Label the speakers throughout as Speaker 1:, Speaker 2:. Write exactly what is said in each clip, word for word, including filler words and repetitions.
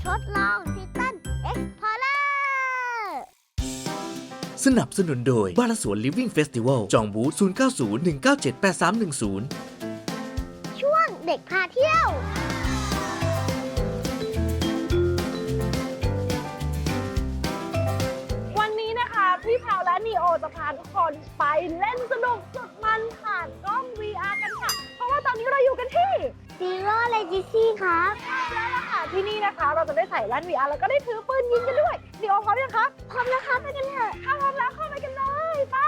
Speaker 1: ทดลองทิตันเอ็กพอร์เลอร์
Speaker 2: สนับสนุนโดยบ้านสวน Living Festival จองบูธ ศูนย์ เก้า ศูนย์ หนึ่ง เก้า เจ็ด แปด สาม หนึ่ง ศูนย์
Speaker 1: ช่วงเด็กพาเที่ยว
Speaker 3: วันนี้นะคะพี่แพรวและนีโอจะพาทุกคนไปเล่นสนุกสุดมันผ่านกล้อง วี อาร์ กันค่ะ เพราะว่าตอนนี้เราอยู่กันที่
Speaker 1: Zero Legacy ครับ
Speaker 3: แล้วล่ะค่ะที่นี่นะคะเราจะได้ใส่แว่น วี อาร์ แล้วก็ได้ถือปืนยิงกันด้วยนีโอพร้อมยังคะพร้อมแล้วค่ะไปกันเถอะถ้าพร้อมแล้วเข้าไปกันเลยไป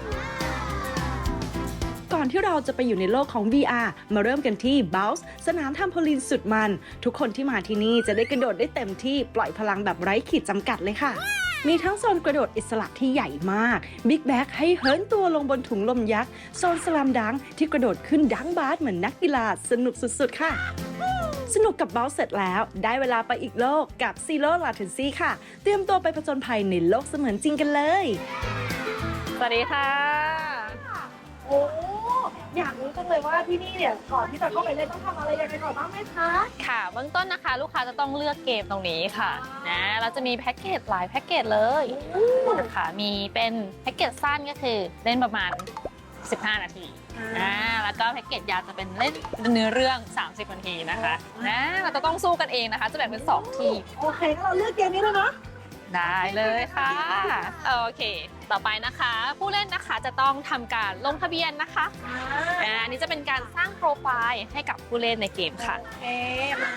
Speaker 4: ก่อนที่เราจะไปอยู่ในโลกของ วี อาร์ มาเริ่มกันที่ Bounce สนามทำโพลีนสุดมัน ทุกคนที่มาที่นี่จะได้กระโดดได้เต็มที่ปล่อยพลังแบบไร้ขีดจำกัดเลยค่ะ มีทั้งโซนกระโดดอิสระที่ใหญ่มาก Big Bag ให้เหินตัวลงบนถุงลมยักษ์ โซนสลัมดังที่กระโดดขึ้นดังบาสเหมือนนักกีฬาสนุกสุดๆค่ะ สนุกกับ Bounce เสร็จแล้วได้เวลาไปอีกโลกกับ Zero Latency ค่ะ เตรียมตัวไปผจญภัยในโลกเสมือนจริงกันเลย
Speaker 3: สวัสดีค่ะโอ้อยากรู้จังเลยว่าที่นี่เนี่ยก่อนที่จะเข้าไปเล่นต้องทำอะไรยังไงก่อนบ้างไหมคะ
Speaker 5: ค่ะเบื้องต้นนะคะลูกค้าจะต้องเลือกเกมตรงนี้ค่ะนะเราจะมีแพ็กเกจหลายแพ็กเกจเลยนะคะมีเป็นแพ็กเกจสั้นก็คือเล่นประมาณสิบห้านาทีนะแล้วก็แพ็กเกจยาวจะเป็นเล่นเนื้อเรื่องสามสิบนาทีนะคะนะเราจะต้องสู้กันเองนะคะจะแบ่งเป็นสองทีม
Speaker 3: โอเคงั้นเราเลือกเกมนี้เลยนะ
Speaker 5: ได้เลยค่ะโอเค ต่อไปนะคะ ผู้เล่นนะคะจะต้องทำการลงทะเบียนนะคะอ่าอันนี้จะเป็นการสร้างโปรไฟล์ให้กับผู้เล่นในเกมค่ะ
Speaker 3: โอเคมา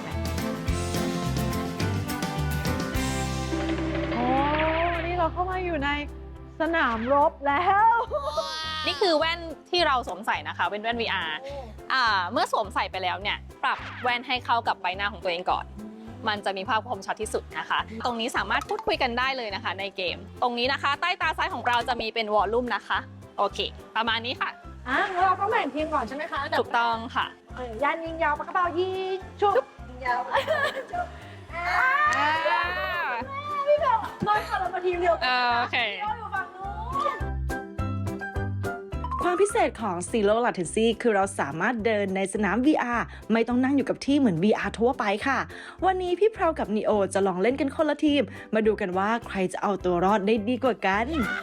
Speaker 3: โอ้นี่เราเข้ามาอยู่ในสนามรบแล้ว
Speaker 5: นี่คือแว่นที่เราสวมใส่นะคะเป็นแว่น วี อาร์ อ่าเมื่อสวมใส่ไปแล้วเนี่ยปรับแว่นให้เข้ากับใบหน้าของตัวเองก่อนมันจะมีภาพคมชัดที่สุดนะคะ ตรงนี้สามารถพูดคุยกันได้เลยนะคะในเกม ตรงนี้นะคะ ใต้ตาซ้ายของเราจะมีเป็นวอลลุ่มนะคะโอเค ประมาณนี้ค่ะ
Speaker 3: อ่ะงั้นเราต้องแบ่งทีมก่อนใช่ไหมคะ
Speaker 5: ถูกต้องค่ะ
Speaker 3: เออยันยิงยาวปากกระเป๋ายิงชุบยิงยาวชุบพี่แบบน้อยค่ะเรามาทีมเดียวกัน
Speaker 5: โอเค
Speaker 3: เราอยู่ฝั่งนู้น
Speaker 4: ความพิเศษของ Zero Latency คือเราสามารถเดินในสนาม วี อาร์ ไม่ต้องนั่งอยู่กับที่เหมือน วี อาร์ ทั่วไปค่ะ วันนี้พี่เพรากับนีโอจะลองเล่นกันคนละทีม มาดูกันว่าใครจะเอาตัวรอดได้ดีกว่ากัน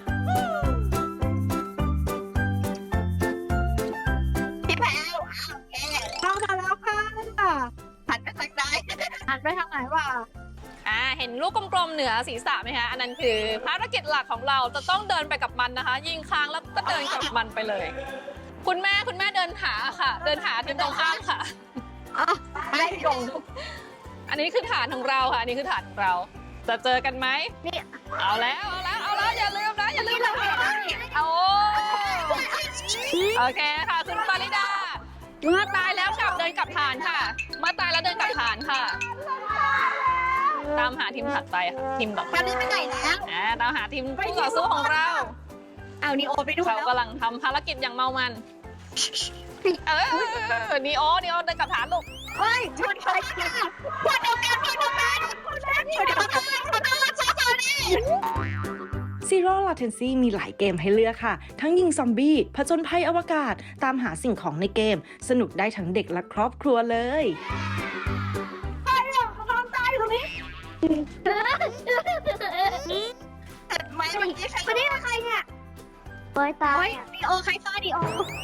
Speaker 1: พี่แพรวโอเค
Speaker 3: เข้ามาแล้วค่ะ
Speaker 1: หันไปทางใด
Speaker 3: หันไปทางไหนวะ
Speaker 5: อ่าเห็นลูกกลมๆเหนือศีรษะไหมคะอันนั้นคือภารกิจหลักของเราจะต้องเดินไปกับมันนะคะ ยิงค้างแล้วก็เดินกับมันไปเลย คุณแม่คุณแม่เดินหาค่ะ เดินหาทีมตรงข้ามค่ะ
Speaker 3: ไม่ลง
Speaker 5: อันนี้คือฐานของเราค่ะอันนี้คือฐานของเรา จะเจอกันไหมนี่เอาแล้วเอาแล้วเอาแล้วอย่าลืมนะอย่าลืมนะเอาโอเคค่ะคุณปาริดาเมื่อตายแล้วกลับเดินกลับฐานค่ะเมื่อตายแล้วเดินกลับฐานค่ะ ตามหาทีมถัดไปค่ะทีมต่อไป
Speaker 1: ตอนนี้ไปไหนแล้ว
Speaker 5: อ่าตามหาทีมคู่ต่อสู้ของเรา
Speaker 1: เอานีโอไปด้วย
Speaker 5: เขา
Speaker 1: แล้ว
Speaker 5: กำลังทำภารกิจอย่างเมามันเออนีโอนีโอเดินกลับฐานลูก
Speaker 1: เฮ้ยชนไปค่ะคนเดียวกันคนเดียวกันคนเดียวกันคนเดียวกันคนเดียวกันซอนี่
Speaker 4: Zero Latency มีหลายเกมให้เลือกค่ะ ทั้งยิงซอมบี้ผจญภัยอวกาศ ตามหาสิ่งของในเกม สนุกได้ทั้งเด็กและครอบครัวเลย
Speaker 3: ใครอ่ะเขาทำตายอยู่ตรงนี้
Speaker 1: ไม่เมื่อกี้ใครวันนี้ใครเนี่ยโอยตายดีโอใครฆ่าดีโอ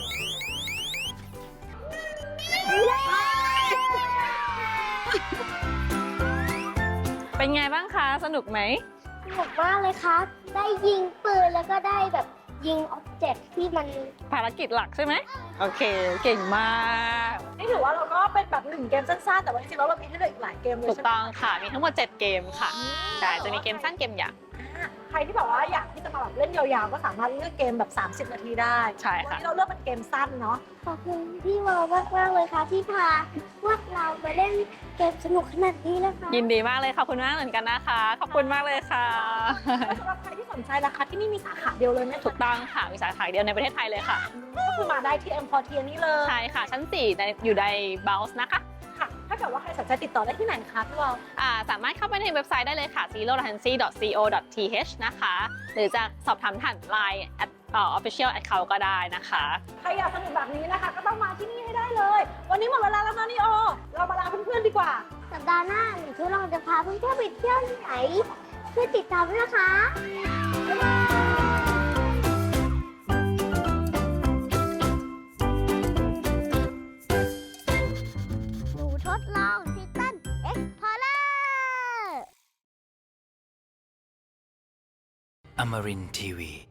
Speaker 5: เป็นไงบ้างคะสนุกไหม
Speaker 1: สนุกมากเลยครับ ได้ยิงปืนแล้วก็ได้แบบยิงอ็อบเจกต์ที่มัน
Speaker 5: ภารกิจหลักใช่ไหมโอเคเก่งมาก
Speaker 3: นี่ถือว่าเราก็เป็นแบบหนึ่งเกมสั้นๆแต่ว่าจริงๆแล้วเรามีให้เลือกอีกหลายเกมเลย
Speaker 5: ถูก
Speaker 3: ใช่ไหม
Speaker 5: ต้องค่ะมีทั้งหมดเจ็ดเกมค่ะใช่จะมีเกมสั้นเกมยาว
Speaker 3: ใครที่แบบว่าอยากที่จะมาแบบเล่นยาวๆก็สามารถเลือกเกมแบบ สามสิบ นาทีได้
Speaker 5: ใช่
Speaker 3: วัน
Speaker 5: ค่ะ
Speaker 3: นี้เราเลือกเป็นเกมสั้นเนาะ
Speaker 1: ขอบคุณพี่วอลมากๆเลยค่ะที่พาพวกเราไปเล่นเกมสนุกขนาดนี้นะคะ
Speaker 5: ยินดีมากเลยขอบคุณมากเหมือนกันนะคะขอบคุณมากเลยค่ะ
Speaker 3: สำหรับใครที่สนใจนะคะที่นี่มีสาขาเดียวเลยไหม
Speaker 5: ถูกต้องค่ะมีสาขาเดียวในประเทศไทยเลยค่ะ
Speaker 3: ก็คือมาได้ที่ M พอร์เทียนี่เลย
Speaker 5: ใช่ค่ะ ชั้นสี่ในอยู่ใน Bounce นะคะ
Speaker 3: ค่ะถ้าเกิดว่าใครสนใจติดต่อได้ที่ไหนคะพี่วอล
Speaker 5: อ่าสามารถเข้าไปในเว็บไซต์ได้เลยค่ะ zero latency dot co dot th นะคะ หรือจะสอบถามผ่าน ไลน์ at official account ก็ได้นะคะ
Speaker 3: ใครอยากสนุกแบบนี้นะคะ ก็ต้องมาที่นี่ให้ได้เลย วันนี้หมดเวลาแล้วนะนี่โอเรามาลาเพื่อนๆดีกว่า
Speaker 1: สัปดาห์หน้าหนูทดลองจะพาเพื่อนๆไปเที่ยวที่ไหนช่วยติดตามด้วยนะคะบ๊ายบายหนูทดลองทิตันเอ็กซ์พอร์เลอร์
Speaker 6: Amarin Tiwi.